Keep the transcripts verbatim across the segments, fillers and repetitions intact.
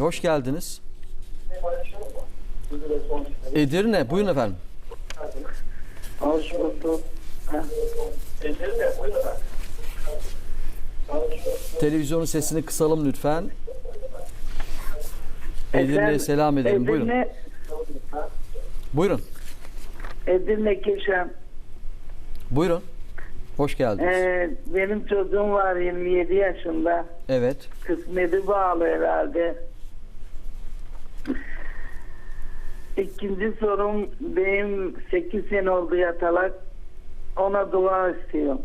hoş geldiniz. Edirne, buyurun efendim. Hoş bulduk. Televizyonun sesini kısalım lütfen. Edirne'ye selam edelim. Buyurun. Edirne, Buyurun. Edirne Keşan. Buyurun. Hoş geldiniz. Ee, benim çocuğum var yirmi yedi yaşında. Evet. Kısmeti bağlı herhalde. İkinci sorum, benim sekiz sene oldu yatalak. Ona dua istiyorum.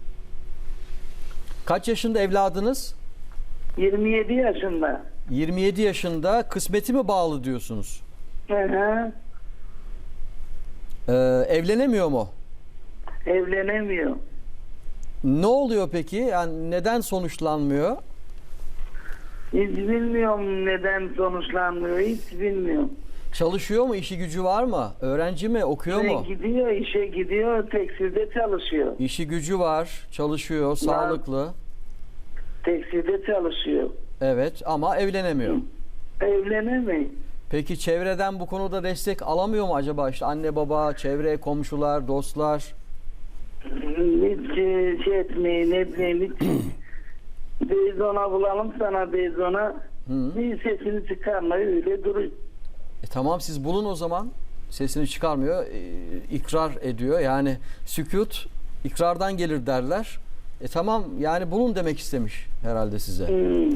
Kaç yaşında evladınız? yirmi yedi yaşında. yirmi yedi yaşında, kısmeti mi bağlı diyorsunuz? Hı hı. Ee, evlenemiyor mu? Evlenemiyor. Ne oluyor peki? Yani neden sonuçlanmıyor? Hiç bilmiyorum neden sonuçlanmıyor. Hiç bilmiyorum. Çalışıyor mu? İşi gücü var mı? Öğrenci mi? Okuyor İşe mu? gidiyor, işe gidiyor, tekstilde çalışıyor. İşi gücü var, çalışıyor, sağlıklı. Tekstilde çalışıyor. Evet, ama evlenemiyor. Evlenemiyor. Peki çevreden bu konuda destek alamıyor mu acaba? İşte anne baba, çevre, komşular, dostlar. Hiç e, şey etmeyin, ne bileyim, hiç Beyzona bulalım sana Beyzona. Bir sesini çıkarma, öyle duruyor. E tamam, siz bulun o zaman. Sesini çıkarmıyor, e, ikrar ediyor. Yani sükut ikrardan gelir derler. E tamam, yani bulun demek istemiş herhalde size. Hmm.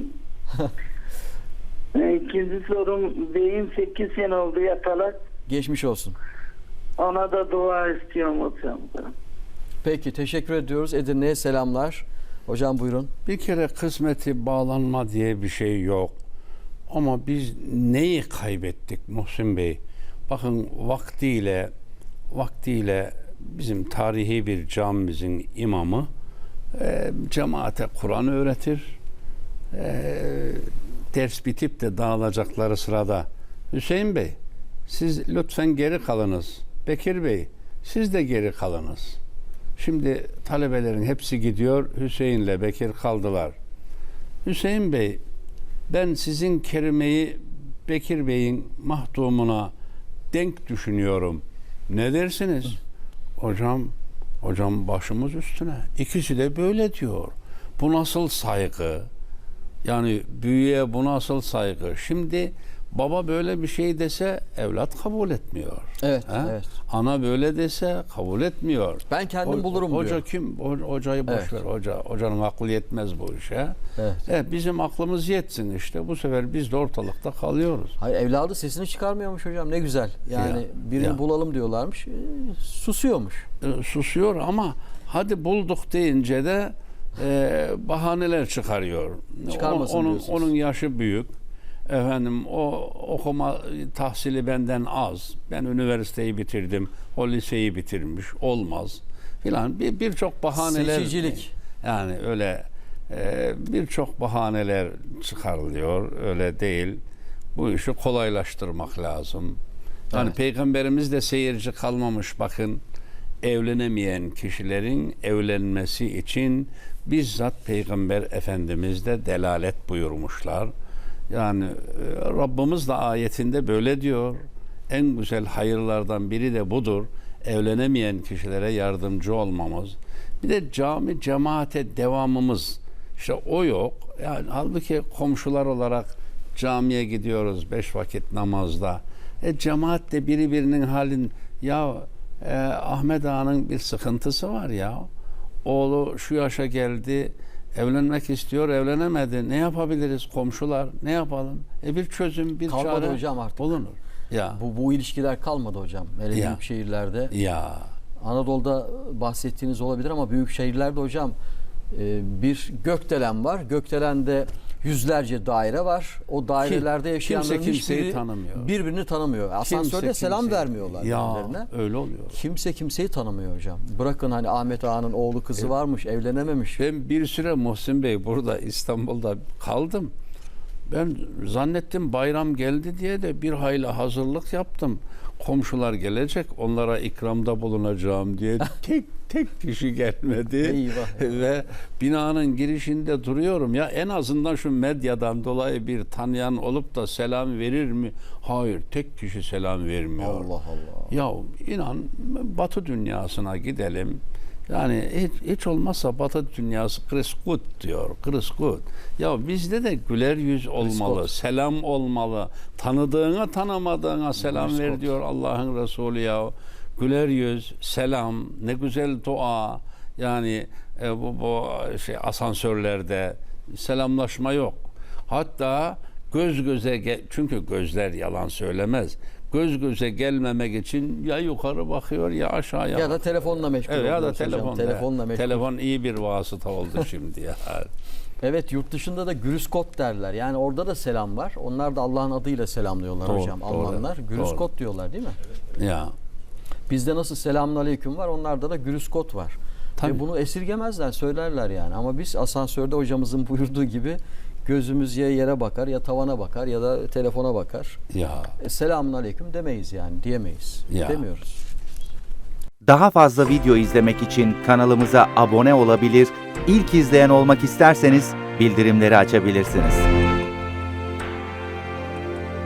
E, İkinci sorum, beyim sekiz sene oldu yatalak. Geçmiş olsun. Ona da dua istiyorum hocam. Peki, teşekkür ediyoruz. Edirne'ye selamlar. Hocam buyurun. Bir kere kısmeti bağlanma diye bir şey yok. Ama biz neyi kaybettik Muhsin Bey? Bakın vaktiyle vaktiyle bizim tarihi bir camimizin imamı e, cemaate Kur'an öğretir. E, ders bitip de dağılacakları sırada Hüseyin Bey siz lütfen geri kalınız. Bekir Bey siz de geri kalınız. Şimdi talebelerin hepsi gidiyor. Hüseyin'le Bekir kaldılar. Hüseyin Bey, ben sizin kelimeyi Bekir Bey'in mahdumuna denk düşünüyorum. Ne dersiniz? Hı. Hocam, hocam başımız üstüne. İkisi de böyle diyor. Bu nasıl saygı? Yani büyüğe bu nasıl saygı? Şimdi baba böyle bir şey dese evlat kabul etmiyor. Evet, He? evet. Ana böyle dese kabul etmiyor. Ben kendim Ho- bulurum hoca diyor. kim? Ho- hocayı boş Evet. ver. Hoca, hocanın aklı yetmez bu işe. Evet. Evet, bizim aklımız yetsin işte. Bu sefer biz de ortalıkta kalıyoruz. Hayır, evladı sesini çıkarmıyormuş hocam. Ne güzel. Yani Ya, birini ya. bulalım diyorlarmış. E, susuyormuş. E, susuyor ama hadi bulduk deyince de e, bahaneler çıkarıyor. Çıkarmasın onun, diyorsunuz. onun yaşı büyük. Efendim o okuma tahsili benden az. Ben üniversiteyi bitirdim. O liseyi bitirmiş. Olmaz filan. Bir birçok bahaneler. Seçicilik. Yani öyle e, birçok bahaneler çıkarılıyor. Öyle değil. Bu işi kolaylaştırmak lazım. Yani Evet. Peygamberimiz de seyirci kalmamış. Bakın, evlenemeyen kişilerin evlenmesi için bizzat Peygamber Efendimiz de delalet buyurmuşlar. Yani e, Rabbimiz de ayetinde böyle diyor. En güzel hayırlardan biri de budur. Evlenemeyen kişilere yardımcı olmamız. Bir de cami cemaate devamımız. İşte o yok. Yani halbuki komşular olarak camiye gidiyoruz beş vakit namazda. E cemaat de biri birinin halin ya e, Ahmet Ağa'nın bir sıkıntısı var ya. Oğlu şu yaşa geldi. Evlenmek istiyor, evlenemedi. Ne yapabiliriz komşular? Ne yapalım? E bir çözüm, bir Kalmadı çare hocam artık. bulunur. Ya. Bu, bu ilişkiler kalmadı hocam. Hele Ya. büyük şehirlerde. Ya. Anadolu'da bahsettiğiniz olabilir ama büyük şehirlerde hocam e, bir gökdelen var. Gökdelende yüzlerce daire var. O dairelerde Kim- yaşayanların kimse kimseyi hiçbiri tanımıyor. birbirini tanımıyor. Asansörde Kimse selam kimseyi- vermiyorlar Ya birbirlerine. öyle oluyor. Kimse kimseyi tanımıyor hocam. Bırakın hani Ahmet Ağa'nın oğlu kızı varmış, evlenememiş. Ben bir süre Muhsin Bey burada İstanbul'da kaldım. Ben zannettim bayram geldi diye de bir hayli hazırlık yaptım. Komşular gelecek, onlara ikramda bulunacağım diye tek tek kişi gelmedi. Eyvah. Ve binanın girişinde duruyorum. Ya en azından şu medyadan dolayı bir tanıyan olup da selam verir mi? Hayır, tek kişi selam vermiyor. Allah Allah. Ya inan, Batı dünyasına gidelim. Yani hiç, hiç olmazsa Batı dünyası Chris Good diyor. Chris Good. Ya bizde de güler yüz olmalı, Good. selam olmalı. Tanıdığına tanımadığına selam Chris ver Good. diyor Allah'ın Resulü ya. Güler yüz, selam, ne güzel dua. Yani e, bu, bu şey asansörlerde selamlaşma yok. Hatta göz göze ge- çünkü gözler yalan söylemez. Göz göze gelmemek için ya yukarı bakıyor ya aşağıya. Ya da telefonla meşgul Evet, ya da oluyoruz hocam. telefon. Telefonla meşgul. Telefon iyi bir vasıta oldu şimdi ya. Evet, yurt dışında da Grüskot derler. Yani orada da selam var. Onlar da Allah'ın adıyla selamlıyorlar Doğru, hocam. doğru, Almanlar Grüskot diyorlar değil mi? Ya. Bizde nasıl selamünaleyküm var, onlarda da Grüskot var. Tabii. Ve bunu esirgemezler, söylerler yani. Ama biz asansörde hocamızın buyurduğu gibi gözümüz ya yere bakar, ya tavana bakar, ya da telefona bakar. Ya. E, selamünaleyküm demeyiz yani, diyemeyiz. Ya. Demiyoruz. Daha fazla video izlemek için kanalımıza abone olabilir, ilk izleyen olmak isterseniz bildirimleri açabilirsiniz.